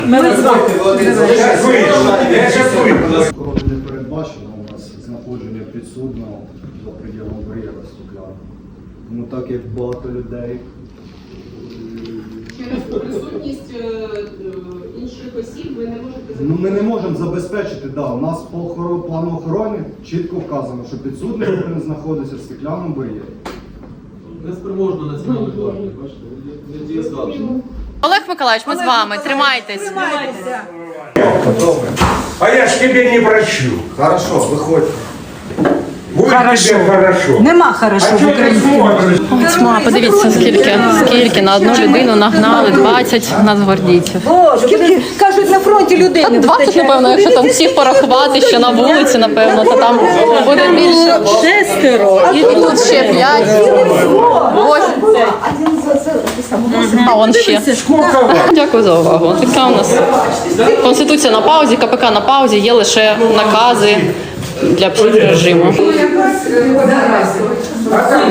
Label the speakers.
Speaker 1: Охорони не передбачено у нас знаходження підсудного за пределом бар'єра стекляного. Тому так як багато людей.
Speaker 2: Через присутність інших осіб ви не можете
Speaker 1: Ну, ми не можемо забезпечити, у нас по плану охорони чітко вказано, що підсудний повинен знаходитися в стеклянному бар'єрі.
Speaker 3: Неспроможно національної гвардії, бачите, не дієздатні.
Speaker 4: Олег Миколаївич, ми з вами. Тримайтесь.
Speaker 5: А я ж тебе не прощу.
Speaker 1: Хорошо, виходьте.
Speaker 5: Будет тебе хорошо.
Speaker 6: Нема хорошо
Speaker 5: А
Speaker 6: в
Speaker 5: что ты
Speaker 6: Україні.
Speaker 5: смотришь?
Speaker 4: Тьма, подивіться, скільки на одну людину нагнали 20 нацгвардійців.
Speaker 6: Боже, скільки кажуть, на фронті людей не
Speaker 4: 20,
Speaker 6: вистачає.
Speaker 4: напевно, якщо там всіх порахувати, що на вулиці, напевно, то там буде більше.
Speaker 6: 6.
Speaker 4: І тут ще 5. 8. А он ще. Дякую за увагу. Така у нас Конституція на паузі, КПК на паузі, є лише накази для психрежиму.